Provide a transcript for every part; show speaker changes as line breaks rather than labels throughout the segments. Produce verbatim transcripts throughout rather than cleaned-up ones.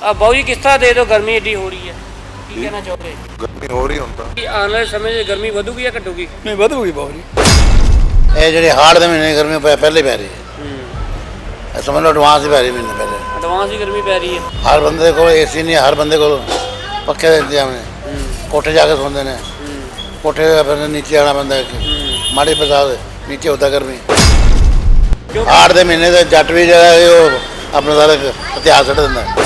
अब बाबू जी किस तरह दे दो गर्मी एडी हो रही है की कहना चाहोगे?
गर्मी हो रही ਹੁਣ ਤਾਂ
कि आने वाले समय में गर्मी ਵਧੂਗੀ ਜਾਂ ਘਟੂਗੀ?
नहीं ਵਧੂਗੀ बहुत जी।
ਇਹ ਜਿਹੜੇ ਹਾੜ ਦੇ ਮਹੀਨੇ ਗਰਮੀ ਪੈ- ਪਹਿਲੇ ਪੈ ਰਹੀ ਹੈ ਇਹ ਸਮਝ ਲਓ ਐਡਵਾਂਸ ਹੀ ਪੈ ਰਹੀ ਮਹੀਨੇ ਪਹਿਲੇ
ਐਡਵਾਂਸ ਹੀ गर्मी ਪੈ ਰਹੀ ਹੈ।
ਹਰ ਬੰਦੇ ਕੋਲ ਏਸੀ ਨਹੀਂ ਹਰ ਬੰਦੇ ਕੋਲ ਪੱਖੇ ਦੇ ਇੰਤਜ਼ਾਮ ਨੇ ਕੋਠੇ ਜਾ ਕੇ ਸੌਂਦੇ ਨੇ ਕੋਠੇ ਤੇ ਫਿਰ ਨੀਚੇ ਆਣਾ ਪੈਂਦਾ ਹੈ ਮਾੜੀ ਬਰਸਾਤ ਨੀਚੇ ਹੁੰਦਾ ਗਰਮੀ ਹਾੜ ਦੇ ਮਹੀਨੇ ਦੇ ਜੱਟ ਵੀ ਜਿਹੜਾ ਹੈ ਉਹ ਆਪਣਾ ਸਾਰਾ ਇਤਿਹਾਸ ਛੱਡ ਦਿੰਦਾ ਹੈ।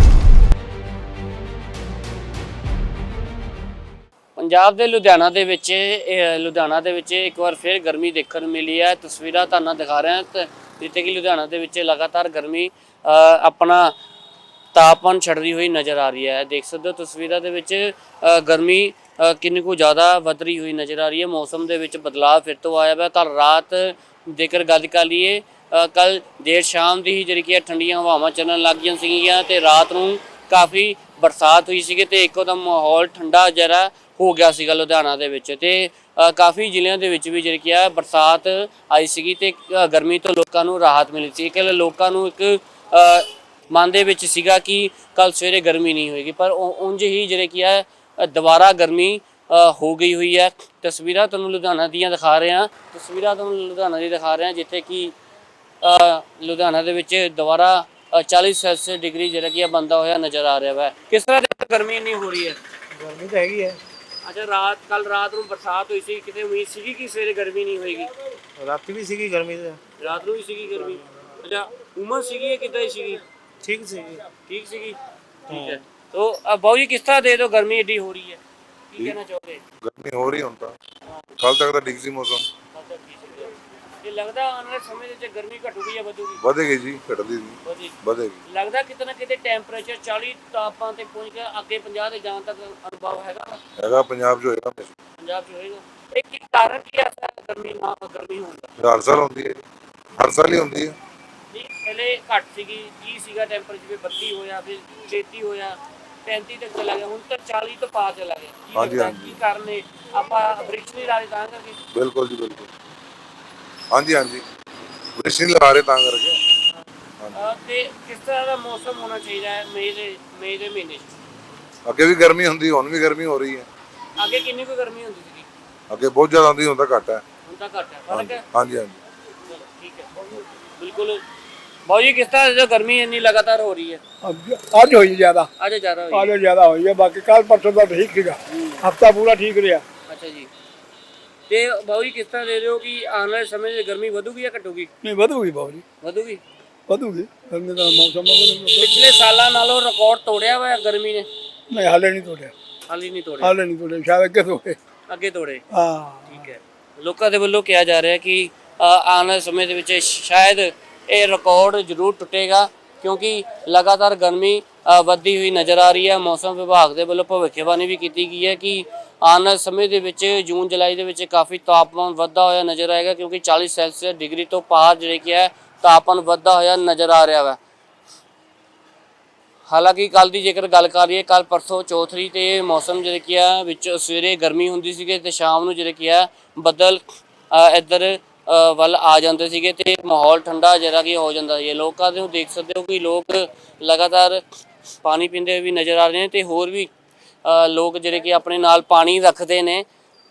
ਪੰਜਾਬ ਦੇ ਲੁਧਿਆਣਾ ਦੇ ਵਿੱਚ ਇਹ ਲੁਧਿਆਣਾ ਦੇ ਵਿੱਚ ਇੱਕ ਵਾਰ ਫਿਰ ਗਰਮੀ ਦੇਖਣ ਨੂੰ ਮਿਲੀ ਹੈ। ਤਸਵੀਰਾਂ ਤੁਹਾਨੂੰ ਦਿਖਾ ਰਹੇ ਹਾਂ ਤੇ ਜਿੱਥੇ ਕਿ ਲੁਧਿਆਣਾ ਦੇ ਵਿੱਚ ਲਗਾਤਾਰ ਗਰਮੀ ਆਪਣਾ ਤਾਪਮਾਨ ਛੱਡਦੀ ਹੋਈ ਨਜ਼ਰ ਆ ਰਹੀ ਹੈ। ਦੇਖ ਸਕਦੇ ਹੋ ਤਸਵੀਰਾਂ ਦੇ ਵਿੱਚ ਗਰਮੀ ਕਿੰਨੀ ਕੁ ਜ਼ਿਆਦਾ ਵਧ ਰਹੀ ਹੋਈ ਨਜ਼ਰ ਆ ਰਹੀ ਹੈ। ਮੌਸਮ ਦੇ ਵਿੱਚ ਬਦਲਾਅ ਫਿਰ ਤੋਂ ਆਇਆ ਹੈ। ਕੱਲ ਰਾਤ ਜੇਕਰ ਗੱਲ ਕਰ ਲਈਏ ਕੱਲ ਦੇਰ ਸ਼ਾਮ ਦੀ ਹੀ ਜਿਹੜੀ ਕਿ ਠੰਡੀਆਂ ਹਵਾਵਾਂ ਚੱਲਣ ਲੱਗ ਗਈਆਂ ਸੀਗੀਆਂ ਤੇ ਰਾਤ ਨੂੰ ਕਾਫੀ ਬਰਸਾਤ ਹੋਈ ਸੀਗੀ ਤੇ ਇੱਕੋ ਦਮ ਮਾਹੌਲ ਠੰਡਾ ਜਿਹੜਾ ਹੋ ਗਿਆ ਸੀਗਾ ਲੁਧਿਆਣਾ ਦੇ ਵਿੱਚ ਤੇ ਕਾਫੀ ਜ਼ਿਲ੍ਹਿਆਂ ਦੇ ਵਿੱਚ ਵੀ ਜਿਹੜੀ ਕਿ ਆ ਬਰਸਾਤ ਆਈ ਸੀਗੀ ਤੇ ਗਰਮੀ ਤੋਂ ਲੋਕਾਂ ਨੂੰ ਰਾਹਤ ਮਿਲੀ ਸੀ। ਕਿ ਲੋਕਾਂ ਨੂੰ ਇੱਕ ਮਨ ਦੇ ਵਿੱਚ ਸੀਗਾ ਕਿ ਕੱਲ ਸਵੇਰੇ ਗਰਮੀ ਨਹੀਂ ਹੋਏਗੀ ਪਰ ਉਂਝ ਹੀ ਜਿਹੜੇ ਕੀ ਹੈ ਦੁਬਾਰਾ ਗਰਮੀ ਹੋ ਗਈ ਹੋਈ ਹੈ। ਤਸਵੀਰਾਂ ਤੁਹਾਨੂੰ ਲੁਧਿਆਣਾ ਦੀਆਂ ਦਿਖਾ ਰਹੇ ਹਾਂ ਤਸਵੀਰਾਂ ਤੁਹਾਨੂੰ ਲੁਧਿਆਣਾ ਦੀ ਦਿਖਾ ਰਹੇ ਹਾਂ ਜਿੱਥੇ ਕਿ ਲੁਧਿਆਣਾ ਦੇ ਵਿੱਚ ਦੁਬਾਰਾ ਚਾਲੀ ਸੈਲਸੀਅਸ ਡਿਗਰੀ ਜਿਹੜਾ ਕਿ ਬੰਦਾ ਹੋਇਆ ਨਜ਼ਰ ਆ ਰਿਹਾ ਹੈ। ਕਿਸ ਤਰ੍ਹਾਂ ਦੀ ਗਰਮੀ ਇੰਨੀ ਹੋ ਰਹੀ ਹੈ?
ਗਰਮੀ ਤਾਂ ਹੈਗੀ ਹੈ।
ਅੱਛਾ ਰਾਤ ਕੱਲ ਰਾਤ ਨੂੰ ਬਰਸਾਤ ਹੋਈ ਸੀ ਕਿਤੇ ਉਮੀਦ ਸੀਗੀ ਕਿ ਸਵੇਰੇ ਗਰਮੀ ਨਹੀਂ ਹੋਏਗੀ?
ਰਾਤੀ ਵੀ ਸੀਗੀ ਗਰਮੀ ਤਾਂ
ਰਾਤ ਨੂੰ ਵੀ ਸੀਗੀ ਗਰਮੀ। ਅੱਛਾ ਉਮਸ ਸੀਗੀ ਜਾਂ ਕਿੱਦਾਂ ਹੀ ਸੀਗੀ?
ਠੀਕ ਸੀਗੀ
ठीक सीगी ठीक है। तो अब बाबू जी किस तरह दे दो गर्मी एडी हो रही है की कहना चाहोगे?
गर्मी हो रही ਹੁਣ ਤਾਂ ਕੱਲ ਤੱਕ ਤਾਂ ਠੀਕ ਸੀ ਮੌਸਮ
ये लगदा आने वाले समय ਦੇ ਵਿੱਚ ਗਰਮੀ ਘਟੂਗੀ ਜਾਂ ਵਧੂਗੀ?
ਵਧੇਗੀ ਜੀ ਘਟਦੀ ਨਹੀਂ
ਵਧੀ
ਵਧੇਗੀ
ਲੱਗਦਾ ਕਿਤੇ ਨਾ ਕਿਤੇ ਟੈਂਪਰੇਚਰ ਚਾਲੀ ਤਾਪਮਾਨ ਤੇ ਪਹੁੰਚ ਗਿਆ ਅੱਗੇ ਪੰਜਾਹ ਤੇ ਜਾਣ ਤੱਕ ਅਨੁਭਵ ਹੈਗਾ
ਹੈਗਾ ਪੰਜਾਬ 'ਚ ਹੋਏਗਾ
ਪੰਜਾਬ 'ਚ ਹੋਏਗਾ। ਇਹ ਕੀ ਕਾਰਨ ਕੀ ਹੈ ਗਰਮੀ ਨਾ ਗਰਮੀ ਹੋਣ ਦਾ?
ਹਰ ਸਾਲ ਹੁੰਦੀ ਹੈ ਹਰ ਸਾਲ ਹੀ ਹੁੰਦੀ ਹੈ।
ਨਹੀਂ ਪਹਿਲੇ ਘੱਟ ਸੀਗੀ ਤੀਹ ਸੀਗਾ ਟੈਂਪਰੇਚਰ ਬੱਤੀ ਹੋਇਆ ਫਿਰ ਛੇਤੀ ਹੋਇਆ ਪੈਂਤੀ ਤੱਕ ਚਲਾ ਗਿਆ ਹੁਣ ਤਾਂ ਚਾਲੀ ਤੋਂ ਪਾਰ ਚਲਾ ਗਿਆ। ਕੀ
ਹਾਂਜੀ,
ਲੱਗਦਾ
ਹਾਂਜੀ।
ਕੀ ਕਾਰਨ ਹੈ? ਆਪਾਂ ਬ੍ਰਿਕਸ ਨਹੀਂ ਲਾਏ ਤਾਂ ਕਰਕੇ?
ਬਿਲਕੁਲ ਜੀ ਬਿਲਕੁਲ ਹਾਂਜੀ ਹਾਂਜੀ ਬ੍ਰਿਸ਼ ਨਹੀਂ ਲਗਾ ਰਹੇ ਤਾਂ ਕਰਕੇ
ਅਹ ਤੇ ਕਿਸ ਤਰ੍ਹਾਂ ਦਾ ਮੌਸਮ ਹੋਣਾ ਚਾਹੀਦਾ ਹੈ ਮਈ ਦੇ ਮਈ ਦੇ ਮਹੀਨੇ 'ਚ?
ਅੱਗੇ ਵੀ ਗਰਮੀ ਹੁੰਦੀ ਹੁਣ ਵੀ ਗਰਮੀ ਹੋ ਰਹੀ ਹੈ।
ਅੱਗੇ ਕਿੰਨੀ ਕੁ ਗਰਮੀ ਹੁੰਦੀ ਸੀਗੀ?
ਅੱਗੇ ਬਹੁਤ ਜ਼ਿਆਦਾ ਹੁੰਦੀ ਹੁਣ ਤਾਂ ਘੱਟ ਹੈ।
ਹੁਣ ਤਾਂ ਘੱਟ ਹੈ ਫਰਕ ਹੈ।
ਹਾਂਜੀ ਹਾਂਜੀ
ਚਲੋ ਠੀਕ ਹੈ ਬਿਲकुल। ਬਾਊ ਜੀ ਕਿਸ ਤਰ੍ਹਾਂ ਜੋ ਗਰਮੀ ਇੰਨੀ ਲਗਾਤਾਰ ਹੋ ਰਹੀ ਹੈ?
ਅੱਜ ਹੋਈ ਜ਼ਿਆਦਾ
ਅੱਜ ਜ਼ਿਆਦਾ ਹੋਈ
ਅੱਜ ਜ਼ਿਆਦਾ ਹੋਈ ਹੈ ਬਾਕੀ ਕੱਲ ਪਰਸੋਂ ਦਾ ਠੀਕ ਸੀਗਾ ਹਫਤਾ ਪੂਰਾ ਠੀਕ ਰਿਹਾ।
ਅੱਛਾ ਜੀ ਤੇ ਬਾਊ ਜੀ ਕਿਸ ਤਰ੍ਹਾਂ ਦੇ ਰਹੇ ਹੋ ਕਿ ਆਉਣ ਵਾਲੇ ਸਮੇਂ 'ਚ ਗਰਮੀ ਵਧੂਗੀ ਜਾਂ ਘਟੂਗੀ?
ਨਹੀਂ ਵਧੂਗੀ ਬਹੁਤ ਜੀ
ਵਧੂਗੀ
ਵਧੂਗੀ ਗਰਮੀ ਦਾ ਮੌਸਮ
ਪਿਛਲੇ ਸਾਲਾਂ ਨਾਲੋਂ ਰਿਕਾਰਡ ਤੋੜਿਆ ਹੋਇਆ ਗਰਮੀ ਨੇ?
ਨਹੀਂ ਹਾਲੇ ਨਹੀਂ ਤੋੜਿਆ
ਹਾਲੇ ਨਹੀਂ ਤੋੜਿਆ
ਹਾਲੇ ਨਹੀਂ ਤੋੜਿਆ ਸ਼ਾਇਦ ਅੱਗੇ ਤੋੜੇ
ਅੱਗੇ ਤੋੜੇ।
ਹਾਂ
ਠੀਕ ਹੈ ਲੋਕਾਂ ਦੇ ਵੱਲੋਂ ਕਿਹਾ ਜਾ ਰਿਹਾ ਕਿ ਆਉਣ ਵਾਲੇ ਸਮੇਂ ਦੇ ਵਿੱਚ ਸ਼ਾਇਦ ਇਹ ਰਿਕਾਰਡ ਜ਼ਰੂਰ ਟੁੱਟੇਗਾ ਕਿਉਂਕਿ ਲਗਾਤਾਰ ਗਰਮੀ ਵੱਧਦੀ ਹੋਈ ਨਜ਼ਰ ਆ ਰਹੀ ਹੈ। ਮੌਸਮ ਵਿਭਾਗ ਦੇ ਵੱਲੋਂ ਭਵਿੱਖਬਾਣੀ ਵੀ ਕੀਤੀ ਗਈ ਹੈ ਕਿ ਆਉਣ ਵਾਲੇ ਸਮੇਂ ਦੇ ਵਿੱਚ ਜੂਨ ਜੁਲਾਈ ਦੇ ਵਿੱਚ ਕਾਫੀ ਤਾਪਮਾਨ ਵੱਧਦਾ ਹੋਇਆ ਨਜ਼ਰ ਆਏਗਾ ਕਿਉਂਕਿ ਚਾਲੀ ਸੈਲਸੀਅਸ ਡਿਗਰੀ ਤੋਂ ਪਾਰ ਜਿਹੜੇ ਕਿ ਹੈ ਤਾਪਮਾਨ ਵੱਧਦਾ ਹੋਇਆ ਨਜ਼ਰ ਆ ਰਿਹਾ ਵਾ। ਹਾਲਾਂਕਿ ਕੱਲ ਦੀ ਜੇਕਰ ਗੱਲ ਕਰ ਲਈਏ ਕੱਲ ਪਰਸੋਂ ਚੌਥਰੀ ਤੇ ਮੌਸਮ ਜਿਹੜੇ ਕੀ ਆ ਵਿੱਚ ਸਵੇਰੇ ਗਰਮੀ ਹੁੰਦੀ ਸੀਗੀ ਤੇ ਸ਼ਾਮ ਨੂੰ ਜਿਹੜੇ ਕੀ ਆ ਬੱਦਲ ਇੱਧਰ ਵੱਲ ਆ ਜਾਂਦੇ ਸੀਗੇ ਤੇ ਮਾਹੌਲ ਠੰਡਾ ਜਿਹੜਾ ਕਿ ਹੋ ਜਾਂਦਾ ਸੀ। ਲੋਕਾਂ ਨੂੰ ਦੇਖ ਸਕਦੇ ਹੋ ਕਿ ਲੋਕ ਲਗਾਤਾਰ ਪਾਣੀ ਪੀਂਦੇ ਹੋਏ ਵੀ ਨਜ਼ਰ ਆ ਰਹੇ ਨੇ ਤੇ ਹੋਰ ਵੀ ਲੋਕ ਜਿਹੜੇ ਕਿ ਆਪਣੇ ਨਾਲ ਪਾਣੀ ਰੱਖਦੇ ਨੇ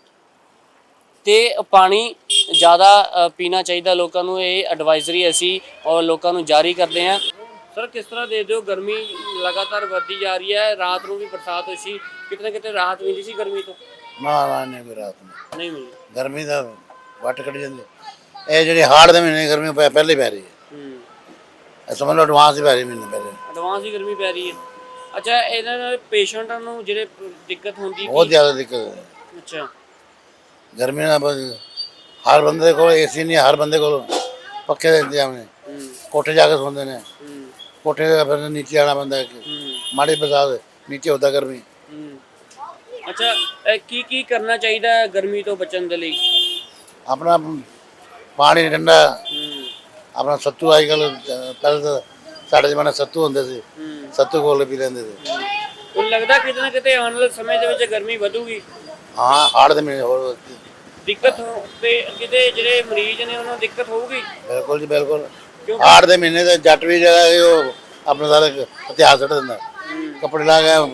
ਤੇ ਪਾਣੀ ਜ਼ਿਆਦਾ ਪੀਣਾ ਚਾਹੀਦਾ ਲੋਕਾਂ ਨੂੰ। ਇਹ ਐਡਵਾਈਜ਼ਰੀ ਅਸੀਂ ਔਰ ਲੋਕਾਂ ਨੂੰ ਜਾਰੀ ਕਰਦੇ ਹਾਂ। ਸਰ ਕਿਸ ਤਰ੍ਹਾਂ ਦੇ ਦਿਓ ਗਰਮੀ ਲਗਾਤਾਰ ਵੱਧਦੀ ਜਾ ਰਹੀ ਹੈ ਰਾਤ ਨੂੰ ਵੀ ਬਰਸਾਤ ਹੋਈ ਸੀ ਕਿਤੇ ਨਾ ਕਿਤੇ ਰਾਹਤ ਮਿਲੀ ਸੀ ਗਰਮੀ ਤੋਂ?
ਨਾ ਨਾ ਨਹੀਂ ਕੋਈ ਰਾਤ ਨੂੰ
ਨਹੀਂ ਮਿਲੀ
ਗਰਮੀ ਦਾ ਵੱਟ ਕੱਢ ਜਾਂਦੀ ਇਹ ਜਿਹੜੀ ਹਾੜ ਦੇ ਮਹੀਨੇ ਗਰਮੀ ਪੈ- ਪਹਿਲੇ ਪੈ ਰਹੀ ਹੈ
ਹੂੰ
ਇਹ ਸਮਝ ਲਓ ਐਡਵਾਂਸ ਹੀ ਪੈ ਰਹੀ ਮਹੀਨੇ ਪਹਿਲੇ
ਐਡਵਾਂਸ ਹੀ ਗਰਮੀ ਪੈ ਰਹੀ ਹੈ। ਅੱਛਾ ਇਹਨਾਂ ਨਾਲ ਪੇਸ਼ੈਂਟਾਂ ਨੂੰ ਜਿਹੜੇ ਦਿੱਕਤ ਹੁੰਦੀ
ਬਹੁਤ ਜ਼ਿਆਦਾ ਦਿੱਕਤ ਹੈ
ਅੱਛਾ
ਗਰਮੀ ਨਾਲ ਬਸ ਹਰ ਬੰਦੇ ਕੋਲ ਏਸੀ ਨਹੀਂ ਹਰ ਬੰਦੇ ਕੋਲ ਪੱਖੇ ਦੇ ਇੰਤਜ਼ਾਮ ਨੇ
ਹੂੰ
ਕੋਠੇ ਜਾ ਕੇ ਸੌਂਦੇ ਨੇ
ਹੂੰ
ਕੋਠੇ ਤੇ ਫਿਰ ਨੀਚੇ ਆਣਾ ਪੈਂਦਾ ਹੈ
ਹੂੰ
ਮਾੜੀ ਬਰਸਾਤ ਨੀਚੇ ਹੁੰਦਾ ਗਰਮੀ
ਹੂੰ ਅੱਛਾ ਇਹ ਕੀ ਕੀ ਕਰਨਾ ਚਾਹੀਦਾ ਹੈ ਗਰਮੀ ਤੋਂ ਬਚਣ ਦੇ ਲਈ?
ਆਪਣਾ ਪਾਣੀ ਠੰਡਾ
ਹੂੰ
ਆਪਣਾ ਸੱਤੂ ਅੱਜ ਕੱਲ੍ਹ ਪਹਿਲਾਂ ਤਾਂ ਸਾਡੇ ਜ਼ਮਾਨੇ ਸੱਤੂ ਹੁੰਦੇ ਸੀ
ਹੂੰ
ਸੱਤੂ ਘੋਲ ਕੇ ਪੀ ਲੈਂਦੇ ਸੀ।
ਹੁਣ ਲੱਗਦਾ ਕਿਤੇ ਨਾ ਕਿਤੇ ਆਉਣ ਵਾਲੇ ਸਮੇਂ ਦੇ ਵਿੱਚ ਗਰਮੀ ਵਧੂਗੀ?
ਹਾਂ ਹਾੜ ਦੇ ਮਹੀਨੇ ਹੋਰ
ਦਿੱਕਤ ਹੋ- ਤੇ ਕਿਤੇ ਜਿਹੜੇ ਮਰੀਜ਼ ਨੇ ਉਹਨਾਂ ਨੂੰ ਦਿੱਕਤ ਹੋਊਗੀ?
ਬਿਲਕੁਲ ਜੀ ਬਿਲकुल
ਕਿਉਂਕਿ
ਹਾੜ ਦੇ ਮਹੀਨੇ ਦੇ ਜੱਟ ਵੀ ਜਿਹੜਾ ਹੈ ਉਹ ਆਪਣਾ ਸਾਰਾ ਇਤਿਹਾਸ ਛੱਡ ਦਿੰਦਾ। ਕੱਪੜੇ ਲਾ ਗਏ।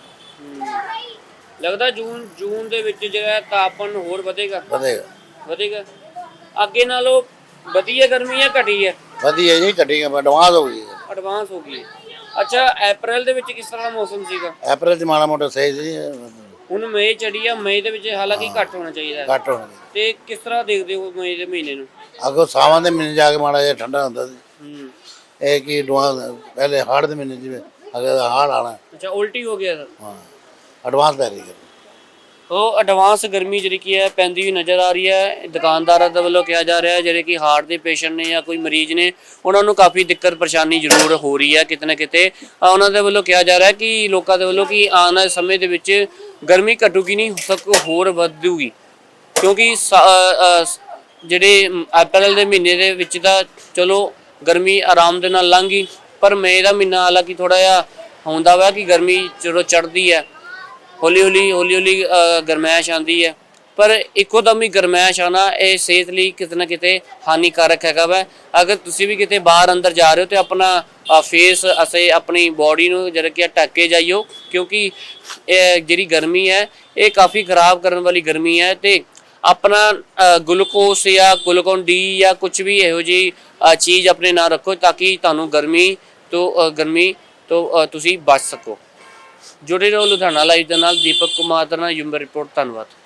ਲੱਗਦਾ ਜੂਨ ਜੂਨ ਦੇ ਵਿੱਚ ਜਿਹੜਾ ਤਾਪਮਾਨ ਹੋਰ ਵਧੇਗਾ
ਵਧੇਗਾ
ਵਧੇਗਾ ਅੱਗੇ ਨਾਲੋਂ ਵਧੀਆ ਗਰਮੀ ਹੈ ਘਟੀ ਹੈ
ਵਧੀਆ ਜੀ, ਘਟੀ ਐਡਵਾਂਸ ਹੋ ਗਈ ਹੈ।
ਐਡਵਾਂਸ ਹੋ ਗਈ ਅੱਛਾ ਅਪ੍ਰੈਲ ਦੇ ਵਿੱਚ ਕਿਸ ਤਰ੍ਹਾਂ ਦਾ ਮੌਸਮ ਸੀਗਾ
ਅਪ੍ਰੈਲ ਚ ਮਾੜਾ ਮੋਟਾ ਸਹੀ ਸੀ,
ਹੁਣ ਮਈ ਚੜੀ ਆ ਮਈ ਦੇ ਵਿੱਚ ਹਾਲਾਂਕਿ ਘੱਟ ਹੋਣਾ ਚਾਹੀਦਾ ਹੈ।
ਘੱਟ ਹੋਣਾ।
ਤੇ ਕਿਸ ਤਰ੍ਹਾਂ ਦੇਖਦੇ ਹੋ ਮਈ ਦੇ ਮਹੀਨੇ ਨੂੰ
ਅੱਗੋਂ ਸਾਵਾਂ ਦੇ ਮਹੀਨੇ ਜਾ ਕੇ ਮਾੜਾ ਜਿਹਾ ਠੰਡਾ ਹੁੰਦਾ ਸੀ।
ਹੂੰ
ਇਹ ਕੀ ਐਡਵਾਂਸ ਪਹਿਲੇ ਹਾੜ ਦੇ ਮਹੀਨੇ ਜਿਵੇਂ ਅਗਰ ਹਾੜ ਆਣਾ,
ਅੱਛਾ ਉਲਟੀ ਹੋ ਗਿਆ ਸਰ
ਹਾਂ ਐਡਵਾਂਸ ਪੈ ਰਹੀ ਹੈ।
ਉਹ ਐਡਵਾਂਸ ਗਰਮੀ ਜਿਹੜੀ ਕੀ ਹੈ ਪੈਂਦੀ ਹੋਈ ਨਜ਼ਰ ਆ ਰਹੀ ਹੈ। ਦੁਕਾਨਦਾਰਾਂ ਦੇ ਵੱਲੋਂ ਕਿਹਾ ਜਾ ਰਿਹਾ ਹੈ ਜਿਹੜੇ ਕਿ ਹਾਰਟ ਦੇ ਪੇਸ਼ੈਂਟ ਨੇ ਜਾਂ ਕੋਈ ਮਰੀਜ਼ ਨੇ ਉਹਨਾਂ ਨੂੰ ਕਾਫੀ ਦਿੱਕਤ ਪਰੇਸ਼ਾਨੀ ਜ਼ਰੂਰ ਹੋ ਰਹੀ ਹੈ ਕਿਤੇ ਨਾ ਕਿਤੇ। ਅ, ਉਹਨਾਂ ਦੇ ਵੱਲੋਂ ਕਿਹਾ ਜਾ ਰਿਹਾ ਹੈ ਕਿ ਲੋਕਾਂ ਦੇ ਵੱਲੋਂ ਕਿ ਆਉਣ ਵਾਲੇ ਸਮੇਂ ਦੇ ਵਿੱਚ ਗਰਮੀ ਘਟੂਗੀ ਨਹੀਂ ਸਗੋਂ ਹੋਰ ਵਧੂਗੀ ਕਿਉਂਕਿ ਸ- ਅ, ਅ, ਜਿਹੜੇ ਅਪ੍ਰੈਲ ਦੇ ਮਹੀਨੇ ਦੇ ਵਿੱਚ ਤਾਂ ਚਲੋ ਗਰਮੀ ਆਰਾਮ ਦੇ ਨਾਲ ਲੰਘ ਗਈ ਪਰ ਮਈ ਦਾ ਮਹੀਨਾ ਹਾਲਾਂਕਿ ਥੋੜਾ ਜਿਹਾ ਹੁੰਦਾ ਵਾ ਕਿ ਗਰਮੀ ਜਦੋਂ ਚੜ੍ਹਦੀ ਹੈ ਹੌਲੀ ਹੌਲੀ ਹੌਲੀ ਹੌਲੀ ਗਰਮੈਸ਼ ਆਉਂਦੀ ਹੈ ਪਰ ਇੱਕੋ ਦਮ ਹੀ ਗਰਮੈਸ਼ ਆਉਣਾ ਇਹ ਸਿਹਤ ਲਈ ਕਿਤੇ ਨਾ ਕਿਤੇ ਹਾਨੀਕਾਰਕ ਹੈਗਾ ਵਾ। ਅਗਰ ਤੁਸੀਂ ਵੀ ਕਿਤੇ ਬਾਹਰ ਅੰਦਰ ਜਾ ਰਹੇ ਹੋ ਤੇ ਆਪਣਾ ਫੇਸ ਅਸੀਂ ਆਪਣੀ ਬਾਡੀ ਨੂੰ ਜਿਹੜਾ ਕਿ ਢੱਕ ਕੇ ਜਾਈਓ ਕਿਉਂਕਿ ਇਹ ਜਿਹੜੀ ਗਰਮੀ ਹੈ ਇਹ ਕਾਫੀ ਖਰਾਬ ਕਰਨ ਵਾਲੀ ਗਰਮੀ ਹੈ ਤੇ ਆਪਣਾ ਗਲੂਕੋਸ ਜਾਂ ਗਲੂਕੋਨ ਡੀ ਜਾਂ ਕੁਝ ਵੀ ਇਹੋ ਜਿਹੀ ਅ, ਚੀਜ਼ ਆਪਣੇ ਨਾਲ ਰੱਖੋ ਤਾਂ ਕਿ ਤੁਹਾਨੂੰ ਗਰਮੀ ਤੋਂ ਅ, ਗਰਮੀ ਤੋਂ ਅ, ਤੁਸੀਂ ਬਚ ਸਕੋ। ਜੁੜੇ ਰਹੋ ਲੁਧਿਆਣਾ ਲਾਈਵ ਦੇ ਨਾਲ। ਦੀਪਕ ਕੁਮਾਰ ਦਾ ਨਾਲ ਯੂਮ ਰਿਪੋਰਟ। ਧੰਨਵਾਦ।